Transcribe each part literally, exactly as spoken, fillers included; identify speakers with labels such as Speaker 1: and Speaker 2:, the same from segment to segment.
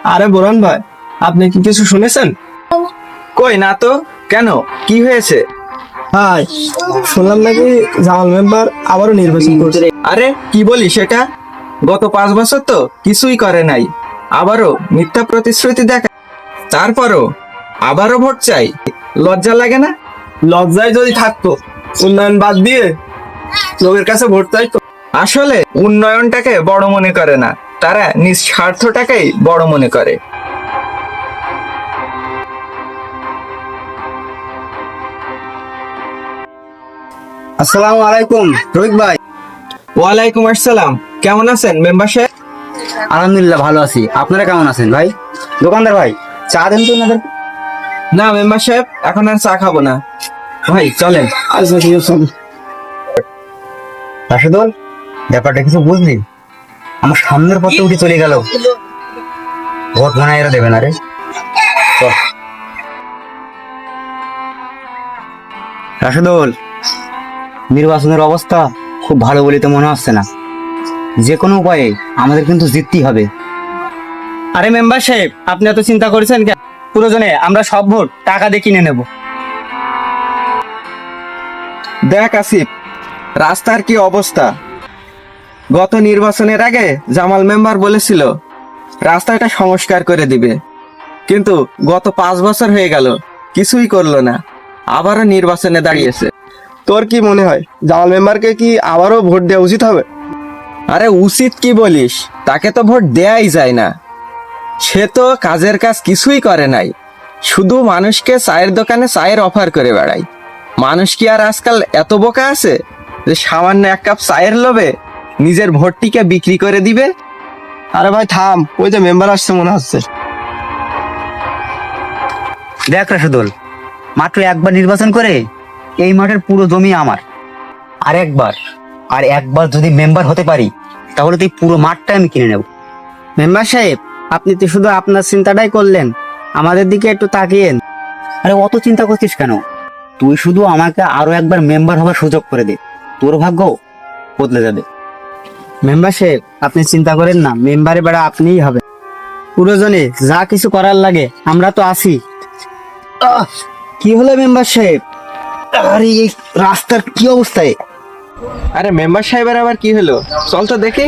Speaker 1: আরে বোরন ভাই, আপনি কি কিছু শুনেছেন?
Speaker 2: কই না তো, কেন, কি হয়েছে?
Speaker 1: হাই, শুনলাম নাকি জামাল মেম্বার আবারও নির্বাচন করছে।
Speaker 2: আরে কি বলি সেটা? গত পাঁচ বছর তো কিছুই করে নাই, আবারও মিথ্যা প্রতিশ্রুতি দেখা, তারপরও আবারও ভোট চাই। লজ্জা লাগে না?
Speaker 1: লজ্জায় যদি থাকতো উন্নয়ন বাদ দিয়ে লোকের কাছে ভোট চাইতো।
Speaker 2: আসলে উন্নয়নটাকে বড় মনে করে না, তারা নিজ স্বার্থটাকেই বড় মনে করে।
Speaker 3: আসসালামু আলাইকুম রফিক ভাই।
Speaker 2: ওয়ালাইকুম আসসালাম, কেমন আছেন মেম্বার সাহেব?
Speaker 3: আলহামদুলিল্লাহ ভালো আছি, আপনারা কেমন আছেন ভাই? দোকানদার ভাই, চা দেন তো ওনাদের।
Speaker 2: না মেম্বার সাহেব, এখন আর চা খাবো না, ভাই চলেন।
Speaker 1: আচ্ছা ঠিক আছে।
Speaker 3: রাশেদুল, ব্যাপারটা কিছু বুঝলি? আমার সামনের পথে উঠে চলে গেল, ভোট মনে হয় এরা দেবে না রে। চল রাশেদুল, নির্বাচনের অবস্থা খুব ভালো বলে তো মনে হচ্ছে না। যে কোনো উপায়ে আমাদের কিন্তু জিততেই হবে।
Speaker 4: আরে মেম্বার সাহেব, আপনি এত চিন্তা করেছেন কেন? প্রয়োজনে আমরা সব ভোট টাকা দিয়ে কিনে নেব।
Speaker 2: দেখ আসিফ, রাস্তার কি অবস্থা। গত নির্বাচনের আগে জামাল মেম্বার বলেছিল রাস্তাটা সংস্কার করে দিবে, কিন্তু গত পাঁচ বছর হয়ে গেল কিছুই করলো না, আবারও নির্বাচনে দাঁড়িয়েছে।
Speaker 1: তোর কি মনে হয় জামাল মেম্বারকে কি আবারও ভোট দেওয়া উচিত হবে?
Speaker 2: আরে উচিত কি বলিস, তাকে তো ভোট দেয়াই যায় না। সে তো কাজের কাজ কিছুই করে নাই, শুধু মানুষকে চায়ের দোকানে চায়ের অফার করে বেড়ায়। মানুষ কি আর আজকাল এত বোকা আছে যে সামান্য এক কাপ চায়ের লোভে নিজের ভোটটিকে বিক্রি করে দিবে?
Speaker 1: আরে ভাই থাম, ওই যে মেম্বার আসছে মনে হচ্ছে।
Speaker 3: দেখ রাশেদুল, মাত্র একবার নির্বাচন করে এই মাঠের পুরো জমি আমার। আর একবার আর একবার যদি মেম্বার হতে পারি, তাহলে তো এই পুরো মাঠটা আমি কিনে নেব।
Speaker 4: মেম্বার সাহেব, আপনি তো শুধু আপনার চিন্তাটাই করলেন, আমাদের দিকে একটু তাকিয়েন।
Speaker 3: আরে অত চিন্তা করছিস কেন? তুই শুধু আমাকে আরো একবার মেম্বার হবার সুযোগ করে দে, তোর ভাগ্য বদলে যাবে।
Speaker 4: মেম্বার সাহেব, আপনি চিন্তা করেন না, মেম্বারে বেড়া আপনিই হবে। প্রয়োজনে যা কিছু করার লাগে আমরা তো আছি।
Speaker 3: আহ, কি হলো মেম্বার সাহেব? আরে এই রাস্তার কি অবস্থায়?
Speaker 2: আরে মেম্বার সাহেবের আবার কি হলো, চল তো দেখি।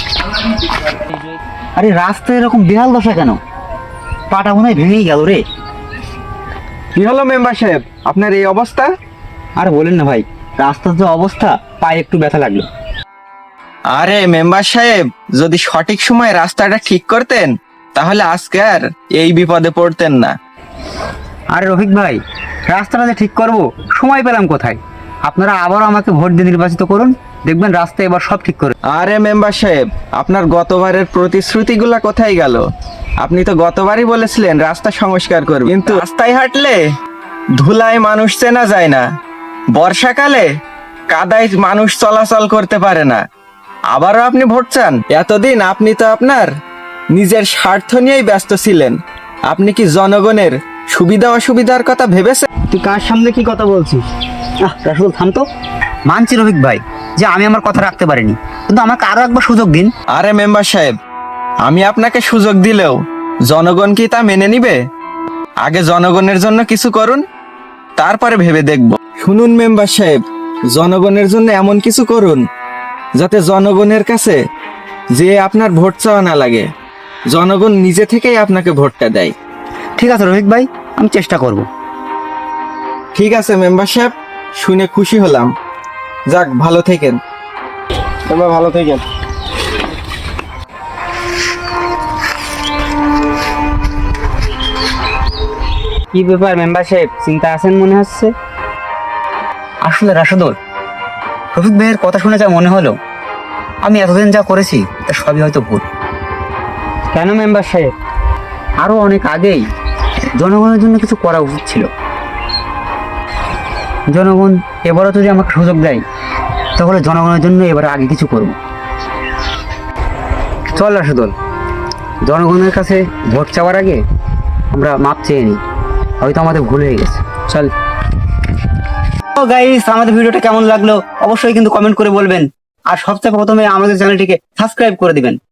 Speaker 3: আরে রাস্তা এরকম বেহাল দশা কেন? পাটা মনে হয় ভেঙেই গেল রে।
Speaker 2: কি হলো মেম্বার সাহেব, আপনার এই অবস্থা?
Speaker 3: আর বলেন না ভাই, রাস্তার যে অবস্থা, পায়ে একটু ব্যথা লাগলো।
Speaker 2: আরে মেম্বার সাহেব, যদি সঠিক সময় রাস্তাটা ঠিক করতেন তাহলে আজকে আর এই বিপদে পড়তেন না।
Speaker 3: আরে রফিক ভাই, রাস্তাটা যে ঠিক করব সময় পেলাম কোথায়? আপনারা আবারও আমাকে ভোট দিয়ে নির্বাচিত করুন, দেখবেন রাস্তা এবার সব ঠিক করে।
Speaker 2: আরে মেম্বার সাহেব, আপনার গতবারের প্রতিশ্রুতিগুলা কোথায় গেল? আপনি তো গতবারই বলেছিলেন রাস্তা সংস্কার করবেন, কিন্তু রাস্তায় হাঁটলে ধুলায় মানুষ চেনা যায় না, বর্ষাকালে কাদায় মানুষ চলাচল করতে পারে না, আবারও আপনি ভোট চান? এতদিন আপনি তো আপনার নিজের স্বার্থ নিয়েই ব্যস্ত ছিলেন, আপনি কি জনগণের সুবিধা অসুবিধার কথা ভেবেছেন?
Speaker 4: তুই কার সামনে কি কথা বলছিস?
Speaker 3: আহ রাসুল থাম তো। মানছি রফিক ভাই যে আমি আমার কথা রাখতে পারিনি, কিন্তু আমাকে আরো একবার সুযোগ দিন।
Speaker 2: আরে মেম্বার সাহেব, আমি আপনাকে সুযোগ দিলেও জনগণ কি তা মেনে নিবে? আগে জনগণের জন্য কিছু করুন, তারপরে ভেবে দেখব। শুনুন মেম্বার সাহেব, জনগণের জন্য এমন কিছু করুন যাতে জনগণের কাছে যে আপনার ভোট চাওয়া না লাগে, জনগণ নিজে থেকেই আপনাকে ভোটটা দেয়।
Speaker 3: ঠিক আছে রফিক ভাই, আমি চেষ্টা করব।
Speaker 2: ঠিক আছে মেম্বার সাহেব, শুনে খুশি হলাম। যাক, ভালো থেকেন।
Speaker 1: তোমরা ভালো থেকেন।
Speaker 4: কি ব্যাপার মেম্বার সাহেব, চিন্তা আছেন মনে হচ্ছে?
Speaker 3: আসলে রাশেদুল, রফিক ভাইয়ের কথা শুনে যা মনে হলো, আমি এতদিন যা করেছি তা সবই হয়তো ভুল।
Speaker 4: কেন মেম্বার সাহেব?
Speaker 3: আরো অনেক আগেই জনগণের জন্য কিছু করা উচিত ছিল। জনগণ এবারও যদি আমাকে সুযোগ দেয়, তাহলে জনগণের জন্য এবার আগে কিছু করব। চল রাশেদুল, জনগণের কাছে ভোট চাওয়ার আগে আমরা মাপ চেয়ে নিই, হয়তো আমাদের ভুল হয়ে গেছে। চল। তো গাইস, আমাদের ভিডিওটা কেমন লাগলো অবশ্যই কিন্তু কমেন্ট করে বলবেন, আর সবচেয়ে প্রথমে আমাদের চ্যানেলটিকে সাবস্ক্রাইব করে দিবেন।